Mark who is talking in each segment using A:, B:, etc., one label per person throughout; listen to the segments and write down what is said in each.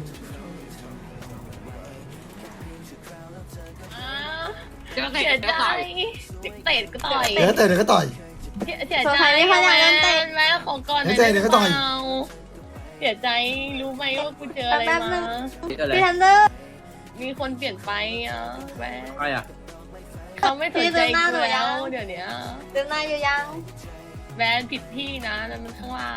A: เสียใจเตะก็ต่อย
B: เดี๋ยวเตะเดี๋ยวก็ต่อย
A: เสียใจแม่ของก่อนเสียใจรู้ไหมว่ากูเจออะไรมา
C: พี่ทันเดอร์
A: มีคนเปลี่ยนไปอ่ะแม่
D: อะไรอ่ะ
A: เขาไม่สนใจกูแล้วเดี๋ยวนี้
C: เดินหน้าอยู่ยัง
A: แวนผิดที่นะนั่นมันข้างล่าง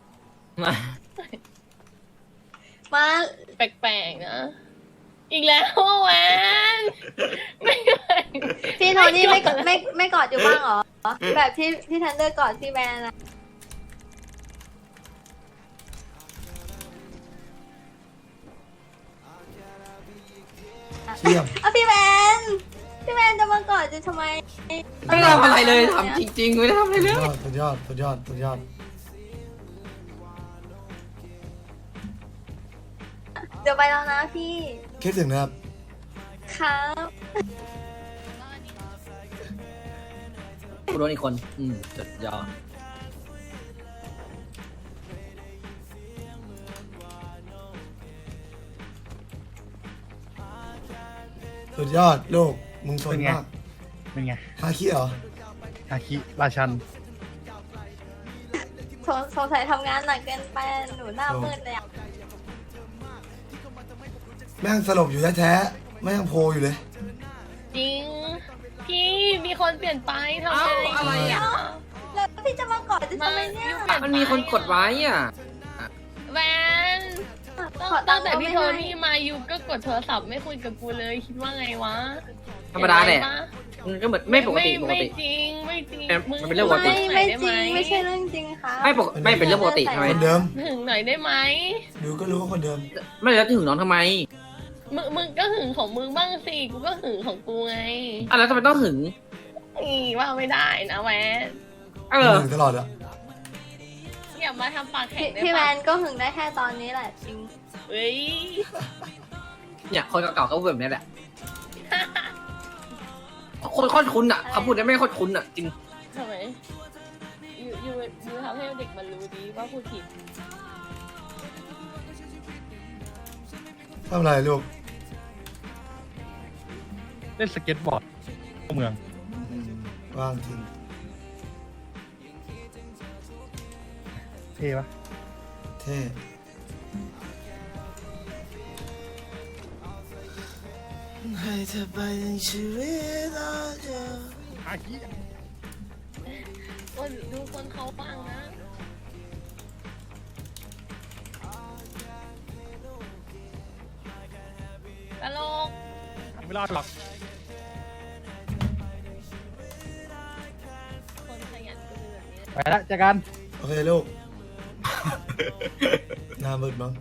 C: มา
A: แปลกๆนะอีกแล้วแวนไม่
C: พี่โทนี่ไม่กอดอยู่บ้างเหรอแบบที่พี่ทันเดอร์กอดพี่แมนนะ
B: เชี่ยม
C: เอาพี่แมนจะมากอดจะทำไม
D: ไม่ได้ทำอะไรเลยทำจริงๆไม่ได้ทำอะไรเลย
B: สุดยอดสุดยอดสุดยอด
C: เดี๋ยวไปแล้วนะพี่
B: คิดถึงนะครับ
C: ครับ
D: กูโดนอีกคนสุดยอด
B: สุดยอดลูกมึงสนมาก
E: เป็นไง
B: ฮาคิเหรอ
E: อาคิราชัน
C: สงสัยทำงานหนักเกินไปหนูหน้ามืดเลยอ่ะ
B: แม่งสลบอยู่แท้ๆแม่งโพอยู่เลย
A: จริงพี่มีคนเปลี่ยนไปทำไง
D: อะไรอ่ะ
C: แล้วพี่จะมากอดจะทำไมเนี่ย
D: มันมีคนกดไว้อ่ะ
A: แวนตั้งแต่พี่โทนี่มาอยู่ก็กดโทรศัพท์ไม่คุยกับกูเลยคิดว่าไงวะ
D: ธรรมดาแหละมันก็เหมือนไม่ปกติ
A: ไม่จริงไม่จริง
D: มันเป็นเรื่องปกติ
C: ไม่จริงไม่ใช่เรื่องจริงค่ะ
D: ไม่เป็นเรื่องปกติทำไม
B: คนเดิม
A: หึงหน่อยได้ไหม
B: ดูก็รู้ว่าคนเดิม
D: ไม่แล้วถึงน้องทำไม
A: มึงก็หึงของมึงบ้างสิกูก็หึงของกูไง
D: อ่ะแล้วทำไมต้องหึง
A: นี่ว่าไม่ได้นะแวน
B: ถึงตลอดอะ
A: อย่ามาทำปากแข็งได้
C: พี่แม
A: ปะ
C: นก็หึงได้แค่ตอนนี้แหละจริง
A: เฮ้ย
D: เนี่ยคนเก่าๆก็พูดแบบนี้แหละคนโคตรคุ้นอ่ะเขาพูดได้ไม่โคตรคุ้นอ่ะจริง
A: ทำไมยูทำให้เด็กมันรู้ดีว่าพูดผิด
B: ทำอะไรลูก
E: เล่นสเก็ตบอร์ดเข้าเมือง
B: ว่างจริง
E: เท่ปะ
B: เท่ให้เธอไปในชีวิตเราเธอ
E: อาคิ
A: ดูคนเขาฟังนะตลก
E: ไม่รอดหรอก
A: คนขยันก็เป็นแบบนี้
E: ไปละเจอกัน
B: โอเคลูก หน้ามืดมั้ง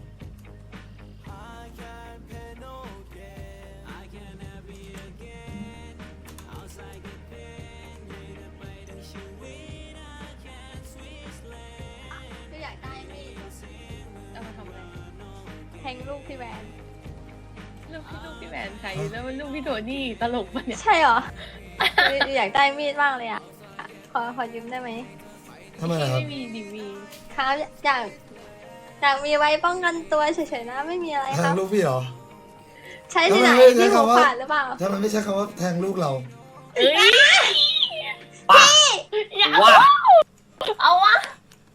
C: พี่อยากได้มีด
A: เอามาทำอะไร
C: แทงลูกพี่แมน
A: ลูกพี่แหวนใครแล้วมันลูกพี่โทนี่ตลกปะเนี่ย
C: ใช่เหรอ อยากได้มีดมากเลยอ่ะขอยืมได้ไหม
B: ทำไมล่ะครับ
A: ไม่มีดีวี
C: ครับอยากมีไว้ป้องกันตัวเฉยๆนะไม่มีอะไร
B: แท
C: ครั
B: ง
C: บ
B: ลูกพี่เหรอ
C: ใช้ที่ไหน
B: ทำไมไม่ใช้
C: ที่หัว
B: คำว่า
C: ขาดหรือเปล่า
B: ทำไมไม่ใช่คำว่าแทงลูกเรา
A: เอ้ย
D: ป้า
A: อย่า
D: ว่า
A: เอาวะ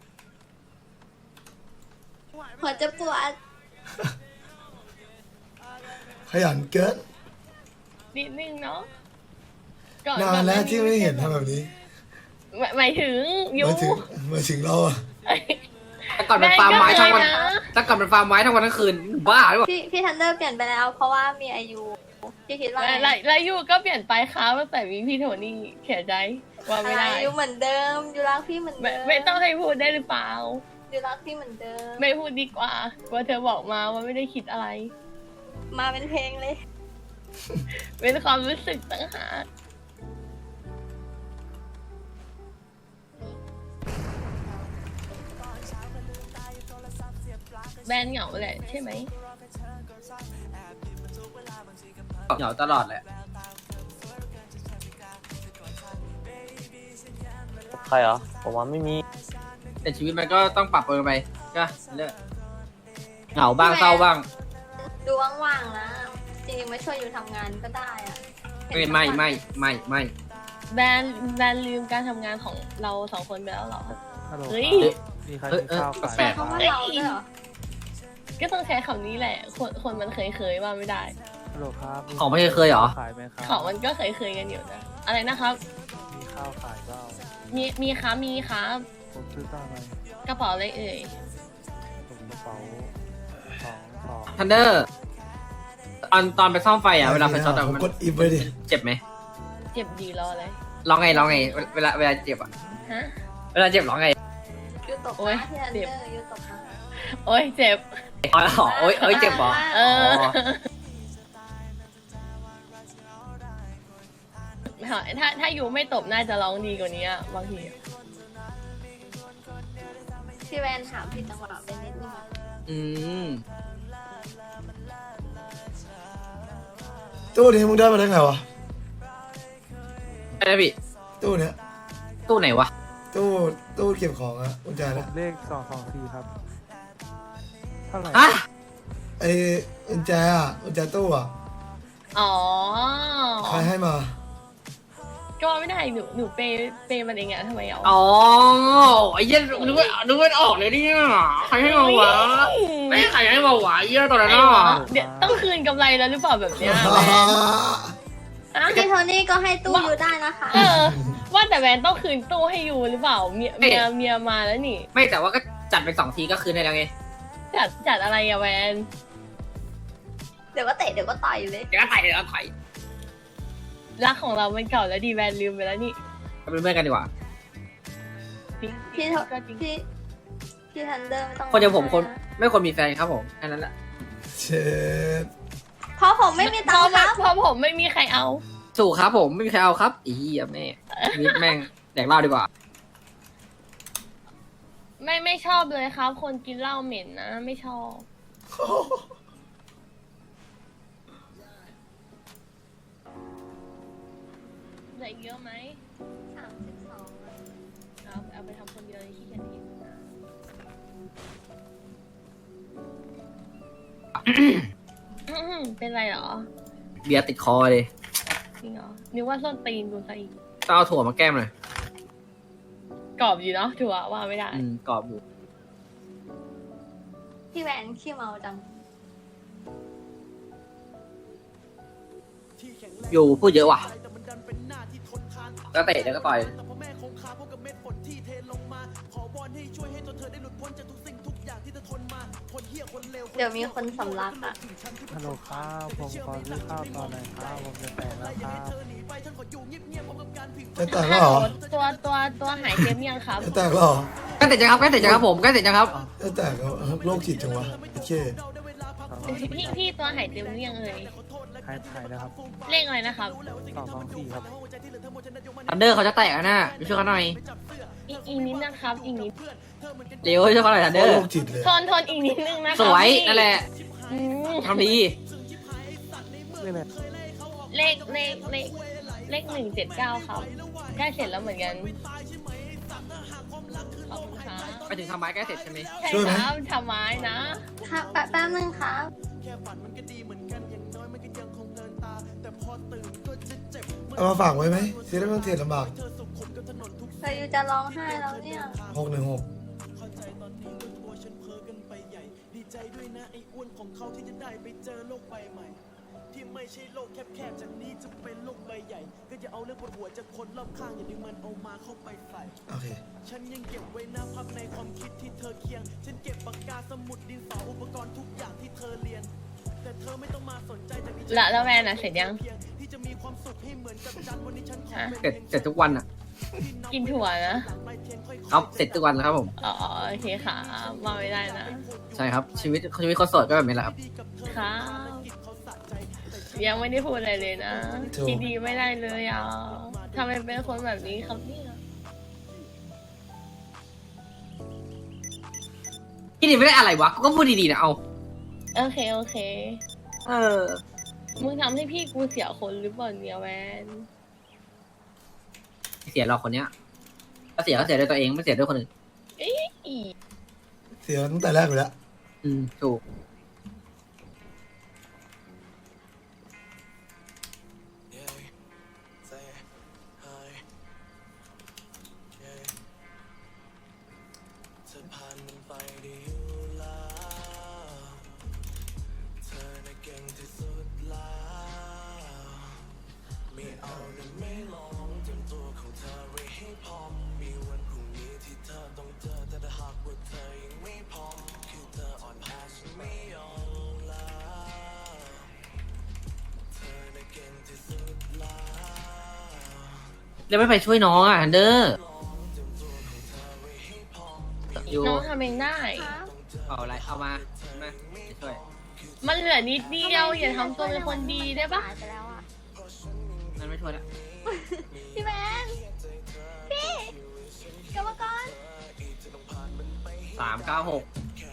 C: หัวจะปวด
B: ขยันเกิน
A: นิดนึงเนาะ
B: นานแล้วที่ไม่เห็นทำแบบนี้
A: หมายถึงยู
B: มาถึงเราอะ
D: แต่ก่อนเป็นฟาร์มไม้ทั้งวันแต่ก่อนเป็นฟาร์มไม้ทั้งวันทั้งคืนบ้าหรือเปล่า
C: พี่ทันเดอร์เปลี่ยนไปแล้ว เพราะว่ามีอายุพี่คิดว่าไง
A: แล้วยูก็เปลี่ยนไปครับตั้งแต่มีพี่โทนี่เสียใจว่าไม่ได้
C: อายุเหมือนเดิมอยู่รักพี่เหมือนเดิม
A: ไม่ต้องให้พูดได้หรือเปล่า
C: อยู่รักพี่เหมือนเดิม
A: ไม่พูดดีกว่าว่าเธอบอกมาว่าไม่ได้คิดอะไร
C: มาเป็นเพลงเลย
A: เป็นความรู้สึกต่างหากแบนเหงาแหละใช่ไหม
D: เหงาตลอดแหละ
F: ใครเหรอ ผมว่าไม่มี
D: แต่ชีวิตมันก็ต้องปรับเปลี่ยนไปก็เรื่อยเหงาบ้างเศร้าบ้าง
C: ดูว่างๆนะจริงๆมาช่วยอยู่ทำงานก็ได้อะเห็น
D: ไม่
C: ทั้งวัน
D: ไม่
A: แบนลืมการทำงานของเราสองคนไปแล้วเหรอ
E: ฮัลโหล
A: เฮ้ย
E: มีใครกินข้าว
D: แปล
C: ใช้
D: ก
C: คำว่าเราด้วยเหรอ
A: ก็ต้องใช้คำนี้แหละ คนมันเคยว่าไม่ได้
E: ฮัลโหลครับ
D: ของไม่เคยเหรอ
E: ขายไหมครับ
A: ของมันก็เคยกันอยู่นะ อะไรนะครับ
E: มีข้าวขายเปล่า
A: มีครับมีครับ
E: ผมซื้อตามไหม
A: กระเป๋าอะไรเอ่ย
E: ผมกระเป๋าสอง
D: ทันเดอร์ตอนไปซ่อมไฟอ่ะเวลาไฟช็อตอะ
B: ผม
D: มัน
B: กดอิฟไปดิ
D: เจ็บไหม
A: เจ็บดีรอเลย
D: ร้องไงเวลาเจ็บอ่ะ
A: ฮะ
D: เวลาเจ็บร้องไง
C: ยูตก
A: โอ๊ย
C: นะที่อันเดอร์ยูตกนะ
A: โอ้ยเจ็บ
D: อ๋อโอ้ยเจ็บเหรอ
A: เออถ้าอยู่ไม่ตบน่าจะร้องดีกว่านี้อะบางที
C: พี่แวนถามผิดจังหวะไปนิดนึงอะ
D: อืม
B: ตู้นี้มึงได้มาได้ไงวะ
D: อะไรพี่
B: ตู้เนี้ย
D: ตู้ไหนวะ
B: ตู้เก็บของอะกุญแจ
E: ผ
B: นะ
E: มเลข224ครับเท่าไหร่
D: ฮะ
B: ไอ้กุญแจอะกุญแจตู้อะ
A: อ๋อ
B: ใครให้มา
A: ก็ไม่ได้หนูเปย์มันเองอะทำไมเอา
D: อ๋อไอ้เหี้ยนึกว่าออกเลยเนี่ยใครให้มาวะไม่ใครให้มาวะไอ้เหี้ยตอนนั้น
A: ไอ้
D: อ่ะ
A: หรอเดี๋ยวต้องคืนกำไรแล้วหรือเปล่าแบบเนี้ยแวนอะ
C: พี่โทนี่ก็ให้ตู้ยูได้นะคะ
A: เออ ว่าแต่แวนต้องคืนตู้ให้ยูหรือเปล่าเมียมาแล้วนี่
D: ไม่แต่ว่าก็จัดไป2 ทีก็คืนได้แล้วไง
A: จัดอะไรอะแวน
C: เดี๋ยวก็เตะเดี๋ยวก็ต่อยเลย
D: เดี๋ยวก็ถอย
A: รักของเรามันเก่าแล้วดีแวนลืมไปแล้วนี่
D: เป็นเพื่อนกันดีกว่า
C: พี่โท
A: ก็จริง
C: พี่ทันเดอร์ไม่ต้อง
D: คนอย่างผมไม่ควรมีแฟนครับผมแค่นั้นแหละ
B: เช็ด
C: เพราะผมไม่มีตังค์ครับ
A: เพราะผมไม่มีใครเอา
D: สู่ครับผมไม่มีใครเอาครับอีอ่ะแม่นิดแม่งแดกเหล้าดีกว่า
A: ไม่ชอบเลยครับ คนกินเหล้าเหม็นนะ ไม่ชอบเหลืออีกเยอะไหม
C: 32
A: เอาไปทำคนเดียวเลยที่เขียนผิดนะเป็นไรเหรอ
D: เบียร์ติดคอเลย
A: จริงเหรอนึกว่าส้นตีนดูซะอีก
D: ต้องเอาถั่วมาแก้มหน่อย
A: กรอบอยู่เนาะถือว่าไม่ได้
D: กรอบอยู่
C: พี่แวนขี้เมาจัง
D: อยู่พูดเยอะว่ะก็เตะแล้วก็ต่อย
C: เดี๋ยวมีคนสำลักอ่ะ
E: ฮัลโหลครับผมขอซื้อข้าวตอนไหนครับผมจะแต่งแล้วครับ
B: จะแตกแล้วเหรอ
A: ตัวหายเจ็บยังครับ
B: จะแตกแล้วเหรอ
D: ใกล้เสร็จยังครับใกล้เสร็จยังครับผมใกล้เสร็จยังครับ
B: จะแตกแล้วโรคจิตจังวะโอเค
A: พี่ตัวหายเจ็บยังเอ่ย
E: หายแล้วครับ
A: เลขอะไรนะครับ
E: 224ครับ
D: ทันเดอร์เขาจะแตกนะไปช่วยเขาหน่อย
A: อีกนิดนะครับอีกนิด
D: เร็วช่วยเขาหน่อยทันเดอร์
B: โรคจิตเลย
A: ทนอีกนิดนึงนะค
D: ส
A: รับ
D: วย
A: พี่
D: นั่นแหละ
A: อืม
D: ทำดี
E: เรื่องอะไร
A: เลข179ครับใกล้เสร็จแล้วเหมือนกันขอบคุณครับ
D: ไปถึงทำไม้ใกล้เสร็จใช่ไหม
A: ใช่ครับทำไม้นะ
C: ครับแป๊บนึงครับ
B: เอามาฝากไว้ไหมเสียได้ไม่ต้องเทรดลำบาก
C: แต่ยูจะร้องไห้แล้วเนี่ย
B: 616
G: ที่ไม่ใช่โลกแคบๆจากนี้จะเป็นโลกใบใหญ่ ก็จะเอาเรื่องปวดหัวจากคนรอบข้างอย่าดึงมันเอามาเข้าไปใส่
B: โอเค
G: ฉันยังเก็บไว้นะภาพในความคิดที่เธอเคียง ฉันเก็บปากกาสมุดดินสออุปกรณ์ทุกอย่างที่เธอเรียน แต่เธอไม่ต้องมาสนใจจากนี้
A: แล้วแวนอ่ะเสร็จยัง
G: เพียงที่จะมีความสุขให้เหมือนกับจันทร์วันนี้ฉันขอ
D: เสร็จทุกวันอ่ะ
A: กินถั่วนะ
D: ครับเสร็จทุกวันนะครับผม
A: อ๋อโอเคค่ะมาไม่ได้นะ
D: ใช่ครับชีวิตคนโสดก็แบบนี้แหละครับ
A: ครับยังไม่ได้พูดอะไรเลยนะ
B: ถูก
A: คิดดีไม่ได้เลยอ่ะทำไมเป็นคนแบบนี้ครับเนี่ย
D: พี่ดีไม่ได้อะไรวะก็พูดดีๆนะเอา
A: โอเค
D: เออ
A: มึงทำให้พี่กูเสียคนหรือเปล่าเนี่ยแวน
D: เสียเราคนเนี้ยก็เสียด้วยตัวเองไม่เสียด้วยคนอื่น
A: อี
B: เสียตั้งแต่แรกอยู่แล้ว
D: ถูกแล้วไม่ไปช่วยน้องอ่ะฮันเดอร์อยู่
A: น้องทำเองได้
C: ครับ
D: เอาอะไรเอามาช่วย
A: มันเหลือนิดเดียวอย่าทำตัวเป็นคนดีได้ปะ
C: หายไปแล้วอ่ะ
D: นั่นไม่ช่วยละ
C: พี่แมนพี่กรรมกร
D: 396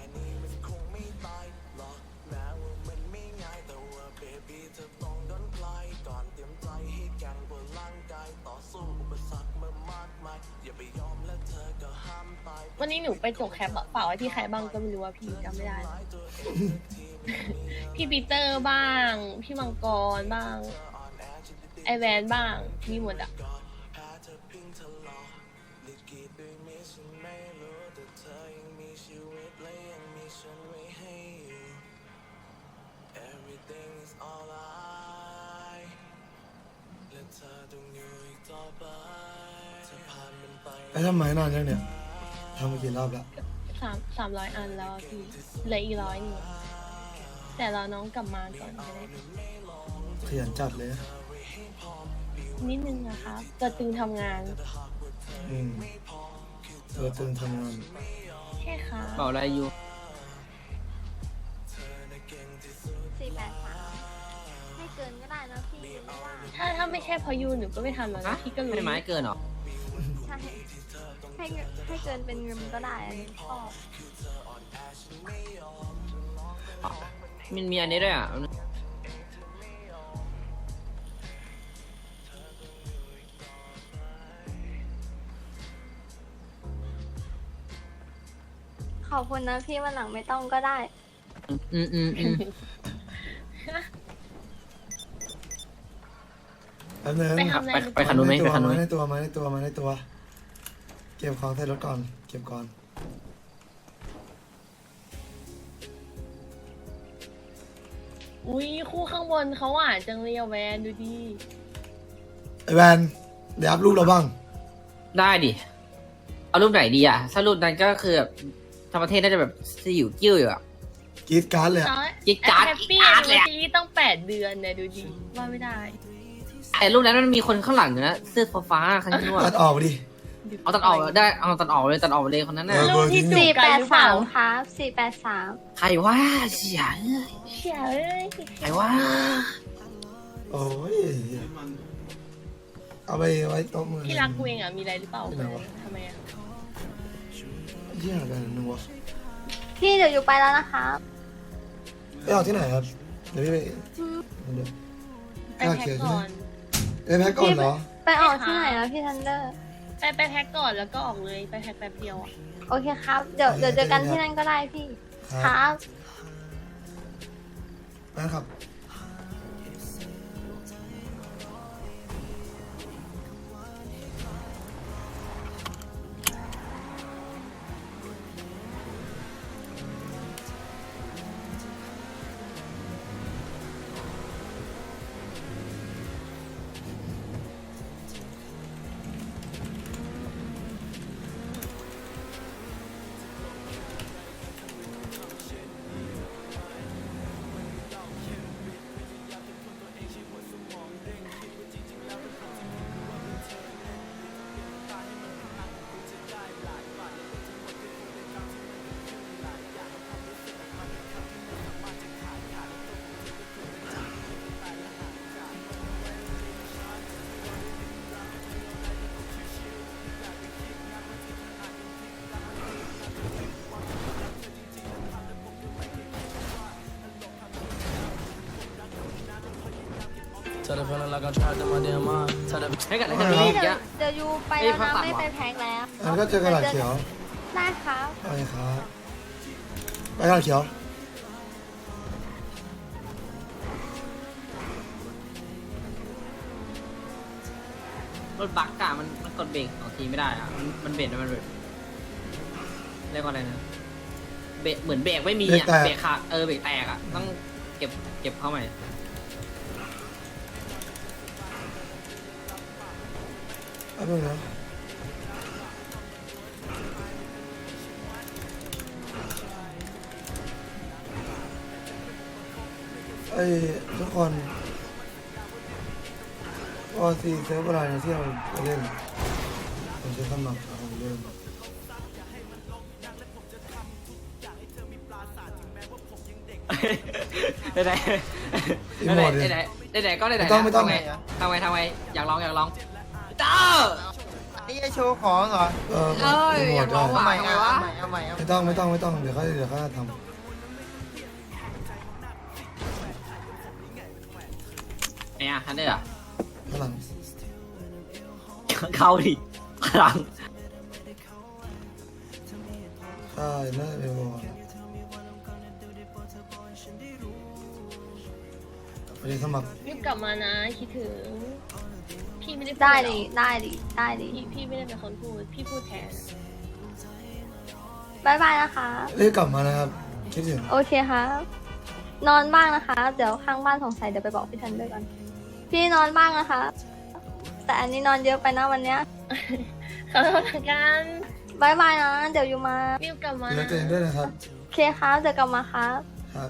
A: วันนี้หนูไปจกแคปอะฝากไว้ที่ใครบ้างก็ไม่รู้ว่าพี่จำไม่ได้ พี่ปีเตอร์บ้าง พี่มังกรบ้าง ไอแวนบ้างมีหมดอะ
B: ไอ้ทำไมนานยังเนี่ยทำมากี่รอบแล้ว
A: 300 อันแล้วอะพี่เหลืออีก100นี่แต่รอน้องกลับมาก่อนจะได้
B: ขยันจัดเลยนะ
A: นิดนึงนะคะตัวตึงทำงาน
B: ตัวตึงทำงาน
A: แค่ค่ะ
D: เปล่าอะไรอยู่
C: 483ให้เกินก็ได้นะพี่เพราะว่า
A: ถ้าไม่ใช่เพอยูหนูก็ไม่ทำแล้วนะพี่ก็รู้
D: ไม่ไม้เกินหรอ
C: ใช่ให้เกินเป็นเงินก็ได้อันนี้ชอบ
D: มันมีอันนี้ด้วยอ่ะ
C: ขอบคุณนะพี่วันหลังไม่ต้องก็ได้
D: อืม
B: แป๊บนึง
A: ไปทำอะไร
D: ไปคันนู้นไหมไปคันนู้น
B: มาในตัวมาในตัวมาในตัว เก็บของใส่รถก่อน เก็บก่อน
A: อุ้ยคู่ข้างบนเขาหวานจังเลยอะแวนดูดิ
B: ไอแวนเดี๋ยวอัพรูปเราบ้าง
D: ได้ดิ เอารูปไหนดีอ่ะ ถ้ารูปนั้นก็คือแบบธรรมประเทศน่าจะแบบสยิวกิ้วอยู่อ่ะ
B: กรีดการ์ดเลยอะ
D: กิ๊กการ์ด
A: แฮปปี้
D: กิ๊กการ์ด
A: เล
D: เลย ยอะ
A: ซีรีส์ต้อง8 เดือนเนี่ยดูดิว่าไม่ได้
D: แต่รูปนั้นมันมีคนข้างหลังอยู่นะเสื้อฟ้าๆข้างนู้น
B: ตัดออกไปดิ
D: เอาตัดออกได้เอาตัดออกเลยตัดออกเลยคนนั้นน่ะ
B: เออ
A: รูปที่จูบกันหรือเปล่า
C: 483ครับ483
D: ใครว่าเสีย
A: เชี่ยเอ้ย
D: ใครว่า
B: โอ้ย เอาไปไว้โต๊ะมือ
A: พี่รักกูเองอะมีอะไรหรือเปล่า
B: ที่ไหนวะ
A: ทำไมอะ
B: เยี่ยอะไรนึงวะ
C: พี่เดี๋ยวอยู่ไปแล้วนะครับ
B: ไปออกที่ไหนครับ เดี๋ยวพี่ไปเดี๋ยว
A: ไปแพ็คก่อน
B: ไปแพ็คก่อนเหรอ
C: ไปออกที่ไหนแล้วพี่ทันเดอร์
A: ไปแพ็คก่อนแล้วก็ออกเลยไปแพ็คแป๊บเดียวอะ
C: โอเคครับ เดี๋ยวเจอกันที่นั่นก็ได้พี่ ครับ
B: นะครับ
D: ให้กันเลย
B: ครั
D: กัน
B: บ
D: นี้
C: พี่
D: เย
C: เดี๋ยว
D: อะ
C: ยูไปแล้วนะไม่ไปแพ็คแล้ว
B: งั้นก็เจอกันหลังเขียว
C: ได้ครับ
B: ไปครับ ไปกันหลังเขียว
D: รถบักอะมันกดเบรก2 ทีไม่ได้อะมันเบรกมันแบบเรียกว่าอะไรนะเบรกเหมือนเบรกไม่มีอะ
B: เบรกแตก
D: เบรกขาดเบรกแตกอะต้องเก็บเข้าใหม่
B: แป๊บนึงนะไอ้ทุกคนก็ซีเซิร์ฟอะไรนะที่เราเล่นผมจะสมัครเอาเล่น
D: ไหน
B: อีโมดดิ
D: ไหนก็ไหน
B: ไม่ต้อง
D: ทำไงอยากลองเจ้า
E: นี่จะโชว์ของเหรอ
D: เอ้ย
B: อีโม
D: อยา
B: ด
D: กลอง
B: ได้
D: ว่ะทำไมวะ
E: เอาใหม่
B: ไม่ต้องเดี๋ยวเขาท
D: เนี่ยทันได้เหรอ
B: ำพลัง
D: เข้าดิพลัง
B: ใช่น่าเป็นบอลไปเรียนสมัคร
A: รีบกลับมานะคิดถึง พี่ไม่ได้พู
C: ได้
A: หร
C: ดิ
A: อก
C: ได้ดิ
A: พี่ไม่ได้เป็นคนพูด พี่พูดแทน
C: บายบายนะคะ
B: เรียกกลับมานะครับคิดถึง
C: โอเคครับ นอนบ้างนะคะ เดี๋ยวข้างบ้านสงสัยเดี๋ยวไปบอกพี่ทันด้วยกัน พี่นอนบ้างนะคะ แต่อันนี้นอนเยอะไปนะวันเนี้ย
A: ขอโทษละกัน
C: บายบายนะ เดี๋ยวอยู่มา
A: รีบกลับมา
B: ดูแลตัวเองด้วยนะครับ
C: โอเคครับเดี๋ยวกลับมาครับ
B: ครับ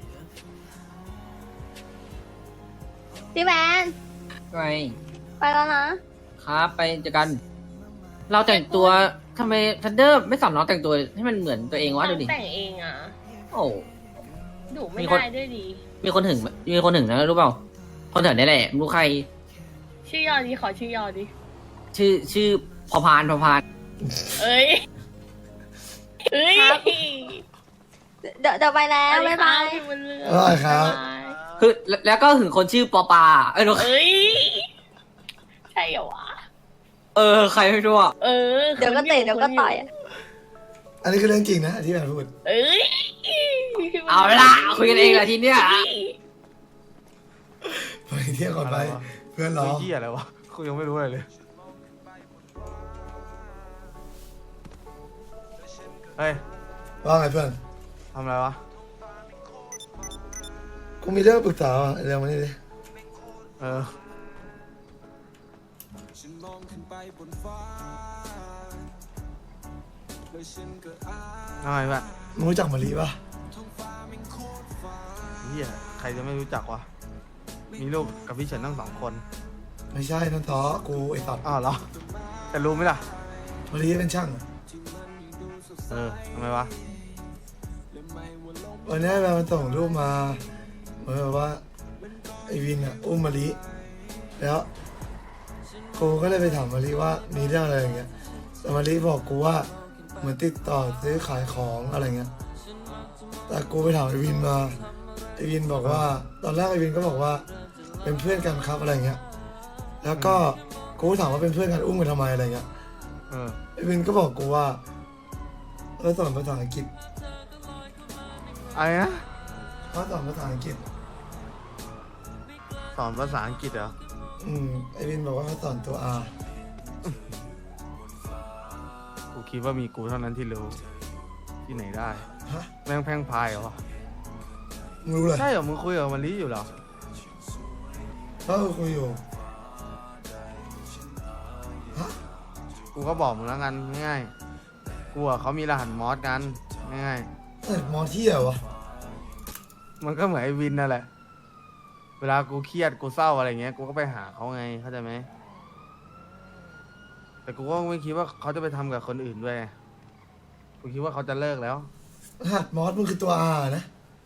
C: พี่แมน
D: ไง
C: ไปแล้วนะ
D: ครับไปเจอกัน เราแต่งตัวทำไมทันเดอร์ไม่สอนน้องแต่งตัวให้มันเหมือนตัวเองวะดูดิ
A: แต่งเองอ่ะ
D: โอ้
A: ดุไม่
D: มีคน
A: ได้ด้วยดี
D: มีคนถึงนะรู้เปล่าคนถึงนี่แหละไม่รู้ใคร
A: ชื่อยอดีขอชื่อยอดี
D: ชื่อพอพาน
A: เอ้ย เอ้ย
C: ครับ เดี๋ยวไปแล้วบายบาย
A: พี่บุญเรือง
B: ได้ครับ
A: บ๊ายบาย
D: คือแล้วก็ถึงคนชื่อปอปาเอ้ย
A: เอ้ย ใช่เหรอวะ
D: ใครไม่รู้อ่ะ
A: เออ
C: เดี๋ยวก็เตะเดี๋ยวก็ต่อยอะ
B: อันนี้คือเรื่องจริงนะที่แบบพูด
A: เอ้ย
D: เอาละคุยกันเองแหละทีเนี้ย
B: ไปเที่ยวก่อนไป เพื่อนรอ
E: เหี้ยอะไรวะกูยังไม่รู้อะไรเลย เฮ้ย
B: ว่าไงเพื่อน
E: ทำอะไรวะ
B: กูมีเรื่องปรึกษาอ่ะเรื่องมานี่ดิ
E: เออ ทำไมแบบ
B: มึงรู้จักมารีป่ะ
E: เฮียใครจะไม่รู้จักวะ มีลูกกับพี่เฉินทั้ง2 คน
B: ไม่ใช่นั่นท้อกูไอ้สัตว์
E: อ้าวเหรอ แต่รู้ไหมล่ะ
B: มารีเป็นช่าง
E: ทำไมวะ
B: วันนี้แบบมันส่งรูปมาเหมือนแบบว่าไอ้วินอ่ะอุ้มมารีแล้วกูก็เลยไปถามมารีว่ามีเรื่องอะไรอย่างเงี้ยแต่มารีบอกกูว่าเหมือนติดต่อซื้อขายของอะไรเงี้ยแต่กูไปถามไอ้วินมาไอ้วินบอกว่า ตอนแรกไอ้วินก็บอกว่าเป็นเพื่อนกันครับอะไรเงี้ยแล้วก็กูถามว่าเป็นเพื่อนกันอุ้มกันทำไมอะไรเงี้ย
E: เออ
B: ไอ้วินก็บอกกูว่าสอนภาษาอังกฤษ
E: อะไรนะ
B: เขาสอนภาษาอังกฤษ
E: สอนภาษาอังกฤษเหรอ
B: ไอวินบอกว่าเขาสอนตัว R
E: กูคิดว่ามีกูเท่านั้นที่รู้ ที่ไหนได้
B: ฮะ
E: แม่งแพร่งพายเหรอวะ
B: มึงรู้เลย
E: ใช่เหรอ มึงคุยกับมารีอยู่เหรอ
B: เขาคุยอยู่ฮะ
E: กูก็บอกมึงแล้วกันง่ายๆกูอะเขามีรหัสมอสกันง่าย
B: เอ้ยมอที่เหรอวะ
E: ๆมันก็เหมือนไอ้วินนั่นแหละ เวลากูเครียดกูเศร้าอะไรเงี้ย กูก็ไปหาเขาไง เข้าใจไหม แต่กูก็ไม่คิดว่าเขาจะไปทำกับคนอื่นด้วยไงกูคิดว่าเขาจะเลิกแล้ว
B: รหัสมอสมึงคือตัว R นะ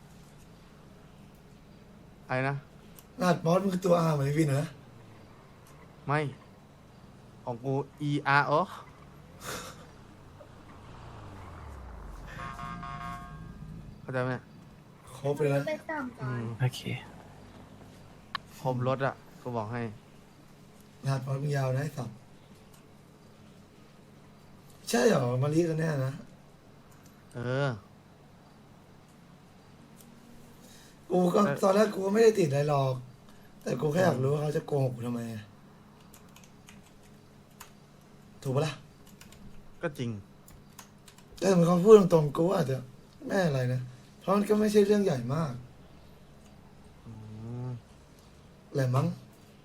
E: อะไรนะ
B: รหัสมอสมึงคือตัว R เหมือนไอวินเหรอนะ
E: ไม่ ของกู ER เข้าใจไหม
B: ครบเลยนะ
E: โอเคครบรถอ่ะ กูบอกให้
B: รหัสมอสมึงยาวนะไอ้สับใช่เหรอมารีกันแน่นะ
E: เออ
B: กูก็ตอนแรกกูก็ไม่ได้ติดอะไรหรอก แต่กูแค่อยากรู้ว่าเขาจะโกหกกูทำไมอะถูกปะล่ะ
E: ก็จริง
B: แต่ถ้าเขาพูดตรงๆกูอาจจะไม่อะไรนะ เพราะมันก็ไม่ใช่เรื่องใหญ่มากแหละมั้ง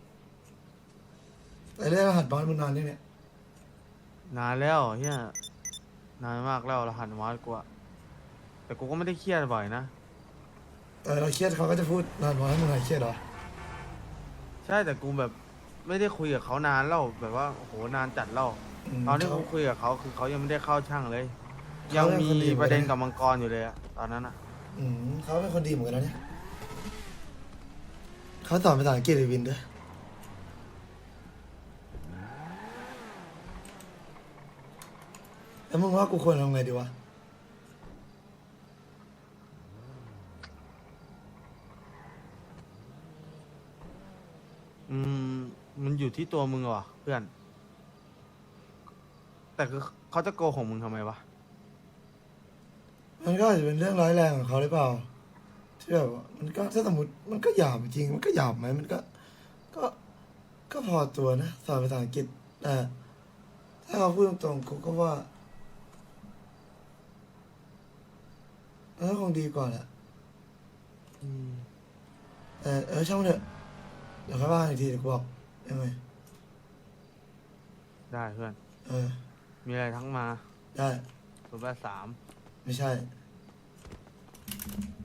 B: แต่เรื่องรหัสมอสมึงนานยังเนี่ย
E: นานแล้วเฮียนานมากแล้วรหัสมอสกูอะแต่กูก็ไม่ได้เครียดบ่อยนะ
B: แต่เราเครียดเขาก็จะพูดรหัสมอสให้มึงหายเครียดเหรอ
E: ใช่แต่กูแบบไม่ได้คุยกับเขานานแล้วแบบว่าโอ้โหนานจัดแล้วตอนที่ผมคุยกับเขาคือเขายังไม่ได้เข้าช่างเลย ยังมีประเด็นกับมังกรอยู่เลยอะตอนนั้นอะ
B: เขาเป็นคนดีเหมือนกันนะเนี่ยเขาสอนภาษาอังกฤษไอวินด้วยแล้วมึงว่ากูควรทำไงดีวะ
E: มันอยู่ที่ตัวมึงว่ะเพื่อน แต่คือเขาจะโกหกมึงทำไมวะ
B: มันก็อาจจะเป็นเรื่องร้ายแรงของเขาหรือเปล่าที่แบบว่ามันก็ถ้าสมมติมันก็หยาบจริงมันก็หยาบไหมมันก็พอตัวนะสอนภาษาอังกฤษแต่ถ้าเขาพูดตรงๆกูก็ว่ามันก็คงดีกว่าแหละแต่ช่างมันเถอะเดี๋ยวค่อยว่าอีกทีเดี๋ยวกูบอกยังไง
E: ได้เพื่อน มีอะไรทั้งมา
B: ได้
E: 083
B: ไม่ใช่